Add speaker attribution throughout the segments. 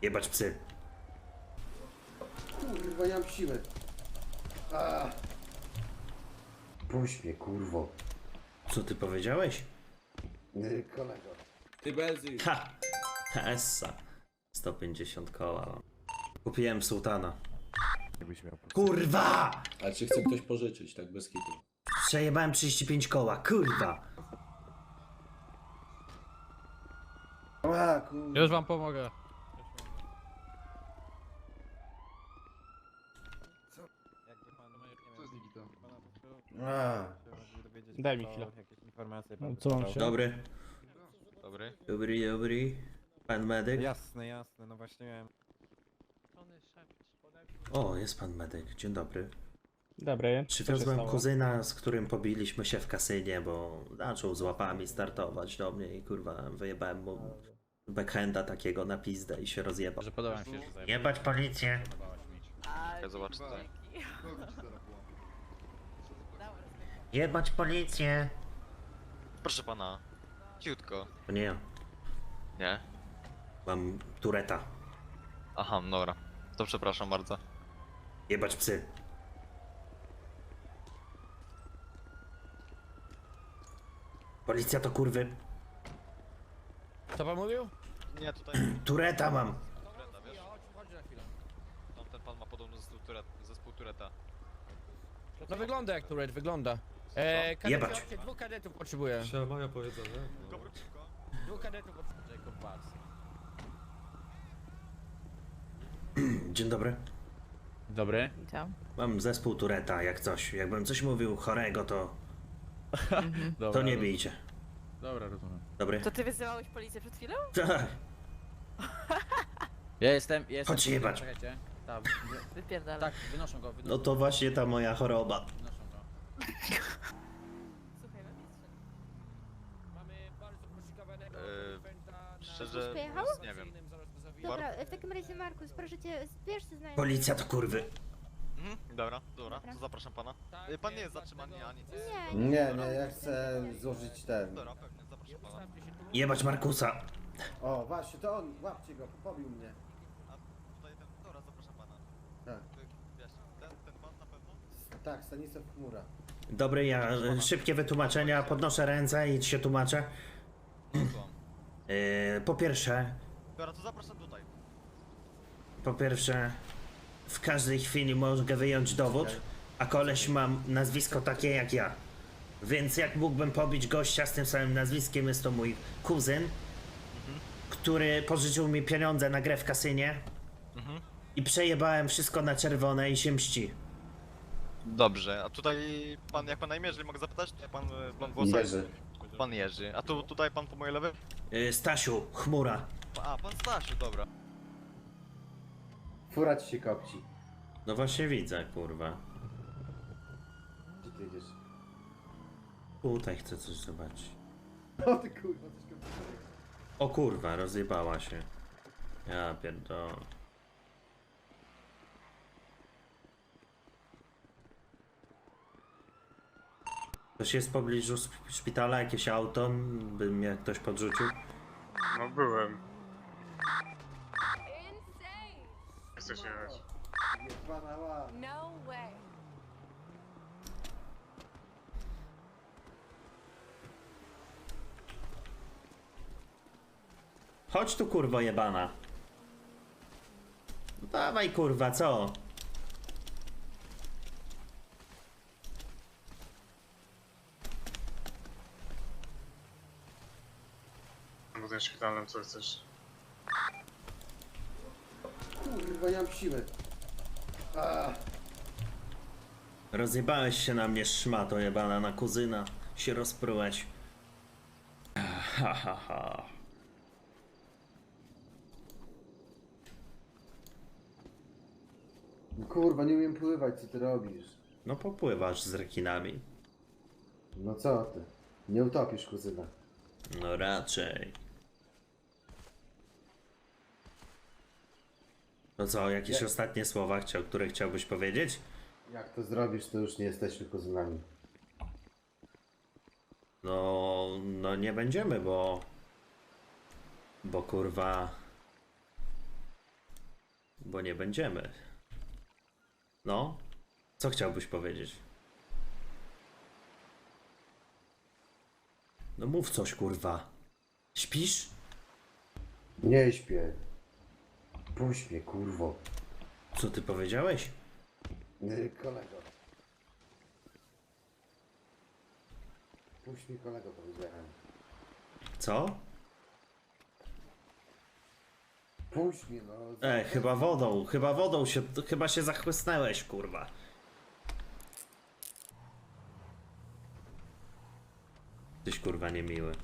Speaker 1: Jebać psy.
Speaker 2: Kurwa, ja mam siłę. Puść mnie, kurwo.
Speaker 1: Co ty powiedziałeś?
Speaker 2: Kolego.
Speaker 3: Ty Belzy.
Speaker 1: Ha! Essa. 150 koła mam. Kupiłem sułtana. Kurwa!
Speaker 3: A czy chce ktoś pożyczyć, tak bez kitu?
Speaker 1: Przejebałem 35 koła, kurwa!
Speaker 2: A, kurwa.
Speaker 4: Już wam pomogę.
Speaker 2: A.
Speaker 4: Daj mi chwilę. Co mam się?
Speaker 1: Dobry.
Speaker 5: Dobry.
Speaker 1: Dobry. Pan medyk?
Speaker 5: Jasne, jasne, no właśnie miałem.
Speaker 1: O, jest pan medyk. Dzień dobry.
Speaker 4: Dobry.
Speaker 1: Przywiozłem kuzyna, z którym pobiliśmy się w kasynie, bo zaczął z łapami startować do mnie i kurwa wyjebałem mu backhanda takiego na pizdę i się rozjebał.
Speaker 4: Że podoba mi się, że zajmę.
Speaker 1: Jebać policję!
Speaker 5: Ja zobaczę tutaj.
Speaker 1: Jebać policję!
Speaker 5: Proszę pana. Ciutko.
Speaker 1: To nie ja.
Speaker 5: Nie?
Speaker 1: Mam tureta.
Speaker 5: Aha, dobra. To przepraszam bardzo.
Speaker 1: Jebać psy. Policja to kurwy.
Speaker 4: Co pan mówił?
Speaker 5: Nie, tutaj
Speaker 1: Tureta mam.
Speaker 5: Tureta, wiesz?
Speaker 4: Chodź na chwilę.
Speaker 5: Tamten pan ma podobno zespół Tureta.
Speaker 4: No wygląda jak turret, wygląda.
Speaker 1: Jebać.
Speaker 4: Kadety, dwóch kadetów potrzebuję.
Speaker 6: Trzeba moja powiedzenie.
Speaker 5: Dobra, ciutko.
Speaker 4: Dwóch kadetów potrzebuję, Jacob Bars.
Speaker 1: Dzień dobry.
Speaker 4: Dobry.
Speaker 7: Witam.
Speaker 1: Mam zespół Tureta, jak coś. Jakbym coś mówił chorego, to
Speaker 4: Dobra,
Speaker 1: nie bijcie.
Speaker 4: Dobra, rozumiem.
Speaker 1: Dobry?
Speaker 7: To ty wyzywałeś policję przed chwilą?
Speaker 1: Tak.
Speaker 4: Ja jestem.
Speaker 1: Chodź jebać.
Speaker 4: Czekajcie. Tak,
Speaker 7: Wypierdalaj.
Speaker 4: tak, wynoszą go,
Speaker 1: No to właśnie ta moja choroba.
Speaker 4: wynoszą go.
Speaker 7: Słuchaj, magistrze.
Speaker 4: Mamy bardzo poszukiwanego
Speaker 5: Szczerze,
Speaker 8: Pojechał?
Speaker 5: nie wiem.
Speaker 8: Dobra, w takim razie Markus, proszę cię, zbierz się z nami.
Speaker 1: Policja to kurwy.
Speaker 5: Dobra, to zapraszam pana. Pan nie jest zatrzymany ani nic.
Speaker 8: Nie,
Speaker 2: Ja chcę złożyć ten.
Speaker 5: Dobra, pewnie, zapraszam pana.
Speaker 1: Jebać Markusa.
Speaker 2: O, właśnie, to on, łapcie go, pobił mnie.
Speaker 5: A tutaj ten, dobra, zapraszam pana.
Speaker 2: Tak,
Speaker 5: Wiesz, ten pan na pewno?
Speaker 2: tak, Stanisław Chmura.
Speaker 1: Dobry, ja szybkie wytłumaczenia, podnoszę ręce i się tłumaczę.
Speaker 5: Słucham.
Speaker 1: Po pierwsze,
Speaker 5: Dobra, to zapraszam tutaj.
Speaker 1: w każdej chwili mogę wyjąć dowód, a koleś ma nazwisko takie jak ja. Więc jak mógłbym pobić gościa z tym samym nazwiskiem, jest to mój kuzyn, który pożyczył mi pieniądze na grę w kasynie i przejebałem wszystko na czerwone i się mści.
Speaker 5: Dobrze, a tutaj pan, jak pan na imię, jeżeli mogę zapytać, to pan blond włosy.
Speaker 2: Jerzy.
Speaker 5: Pan Jerzy. A tutaj pan po mojej lewej?
Speaker 1: Stasiu, chmura.
Speaker 5: A, pan Stasiu, dobra.
Speaker 2: Fura ci się kopci.
Speaker 1: No właśnie widzę, kurwa.
Speaker 2: Gdzie ty jedziesz?
Speaker 1: Tutaj chcę coś zobaczyć.
Speaker 2: O ty kurwa, coś komputerek.
Speaker 1: O kurwa, rozjebała się. Ja pierdolę. Ktoś jest w pobliżu szpitala, jakieś auto, by mnie ktoś podrzucił?
Speaker 9: No byłem. Chcesz jechać?
Speaker 2: Jebana ła.
Speaker 7: No way.
Speaker 1: Chodź tu kurwo jebana. No dawaj kurwa, co?
Speaker 9: W tym szpitalnym co chcesz?
Speaker 2: Kurwa, ja mam siłę.
Speaker 1: Rozjebałeś się na mnie szmato jebana, na kuzyna się rozprułeś. Ha ha ha.
Speaker 2: Kurwa, nie umiem pływać, co ty robisz?
Speaker 1: No popływasz z rekinami.
Speaker 2: No co ty? Nie utopisz kuzyna.
Speaker 1: No raczej. No co, jakieś ostatnie słowa, które chciałbyś powiedzieć?
Speaker 2: Jak to zrobisz, to już nie jesteśmy kuzynami.
Speaker 1: No nie będziemy, bo kurwa bo nie będziemy. No, co chciałbyś powiedzieć? No mów coś, kurwa. Śpisz?
Speaker 2: Nie śpię. Puść mnie, kurwo.
Speaker 1: Co ty powiedziałeś?
Speaker 2: Kolego. Puść mnie, kolego, powiedziałem.
Speaker 1: Co?
Speaker 2: Puść mnie, no.
Speaker 1: Chyba się zachłysnęłeś, kurwa. Tyś kurwa niemiły.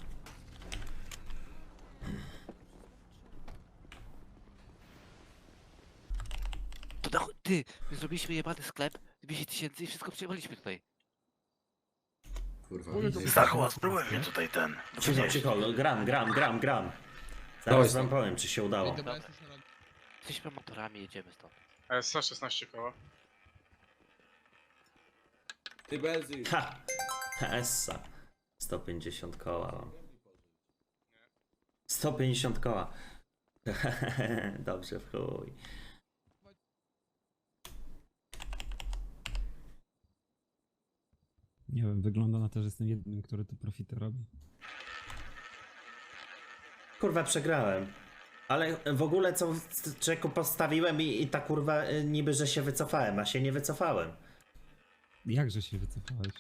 Speaker 6: To na chuj, ty, my zrobiliśmy jebany sklep, 200 tysięcy i wszystko przejmowaliśmy tutaj.
Speaker 3: Kurwa,
Speaker 10: Stachu, spróbuj mnie tutaj ten.
Speaker 1: Cicho, gram.
Speaker 3: Dawaj,
Speaker 1: Zaraz wam powiem, czy się udało.
Speaker 6: Jesteśmy amatorami, jedziemy stąd.
Speaker 9: 116 koła.
Speaker 3: Ty Belzy!
Speaker 1: Ha! Essa. 150 koła mam. 150 koła. Dobrze, w chuj.
Speaker 4: Nie wiem, wygląda na to, że jestem jedynym, który tu profity robi.
Speaker 1: Kurwa, przegrałem. Ale w ogóle co człowieku postawiłem i ta kurwa niby, że się wycofałem, a się nie wycofałem.
Speaker 4: Jakże się wycofałeś?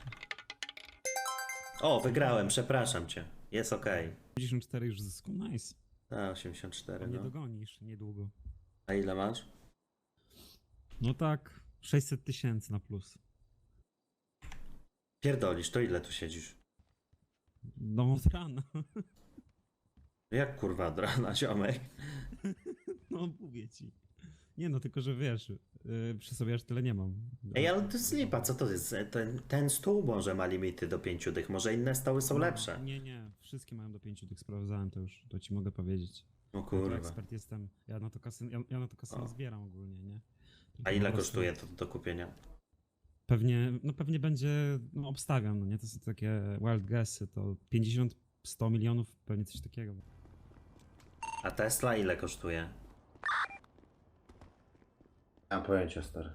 Speaker 1: O, wygrałem, przepraszam cię. Jest okej.
Speaker 4: 54 już zysku, nice.
Speaker 1: A, 84,
Speaker 4: Nie
Speaker 1: no.
Speaker 4: dogonisz niedługo.
Speaker 1: A ile masz?
Speaker 4: No tak, 600 tysięcy na plus.
Speaker 1: Pierdolisz, to ile tu siedzisz?
Speaker 4: No od rana.
Speaker 1: Jak kurwa od rana, ziomek?
Speaker 4: No mówię ci. Nie no, tylko że wiesz, przy sobie aż tyle nie mam.
Speaker 1: Ej, ale to jest lipa, co to jest? Ten stół może ma limity do 5 dych, może inne stoły są
Speaker 4: No,
Speaker 1: lepsze.
Speaker 4: Nie, wszystkie mają do 5 tych, sprawdzałem to już, to ci mogę powiedzieć.
Speaker 1: O
Speaker 4: Ja tu
Speaker 1: kurwa.
Speaker 4: ekspert jestem, ja na to kasy, ja na to kasy
Speaker 1: O.
Speaker 4: nie zbieram ogólnie, nie? Tylko
Speaker 1: A ile
Speaker 4: po prostu
Speaker 1: kosztuje to do kupienia?
Speaker 4: Pewnie będzie, no obstawiam, no nie? To są takie wild guessy, to 50-100 milionów, pewnie coś takiego.
Speaker 1: A Tesla ile kosztuje?
Speaker 2: Nie mam pojęcia, stary.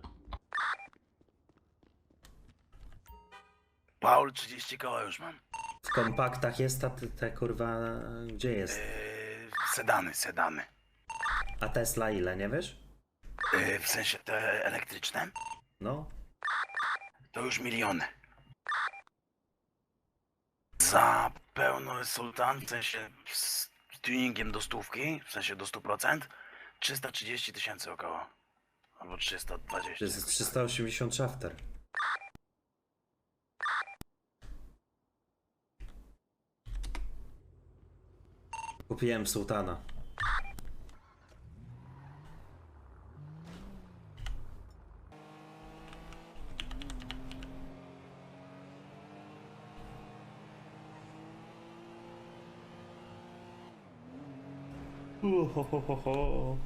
Speaker 10: Paul, 30 koła już mam.
Speaker 1: W kompaktach jest ta kurwa... Gdzie jest?
Speaker 10: Sedany.
Speaker 1: A Tesla ile, nie wiesz?
Speaker 10: W sensie te elektryczne,
Speaker 1: No.
Speaker 10: to już miliony. Za pełny sultan, w sensie z tuningiem do stówki, w sensie do 100%, 330 tysięcy około. Albo 320.
Speaker 1: To jest 380 shafter. Kupiłem sułtana. Ho, ho, ho, ho.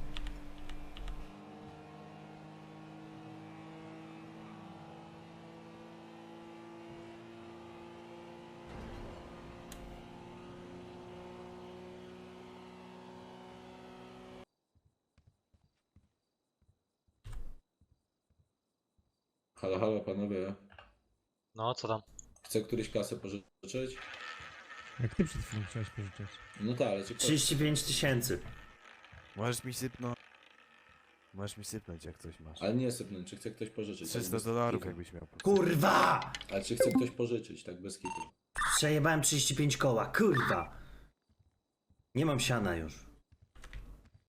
Speaker 3: Halo panowie.
Speaker 5: No, co tam?
Speaker 3: Chce któryś kasę pożyczyć?
Speaker 4: Jak ty przed chwilą chciałeś pożyczać?
Speaker 3: No tak, ale cię
Speaker 1: 35 tysięcy.
Speaker 11: Możesz mi sypnąć jak coś masz.
Speaker 3: Ale nie sypnąć, czy chce ktoś pożyczyć? tak
Speaker 11: 300
Speaker 3: bez
Speaker 11: dolarów
Speaker 3: kitu.
Speaker 11: jakbyś miał.
Speaker 1: Kurwa!
Speaker 3: Ale czy chce ktoś pożyczyć, tak bez kitu?
Speaker 1: Przejebałem 35 koła, kurwa! Nie mam siana już.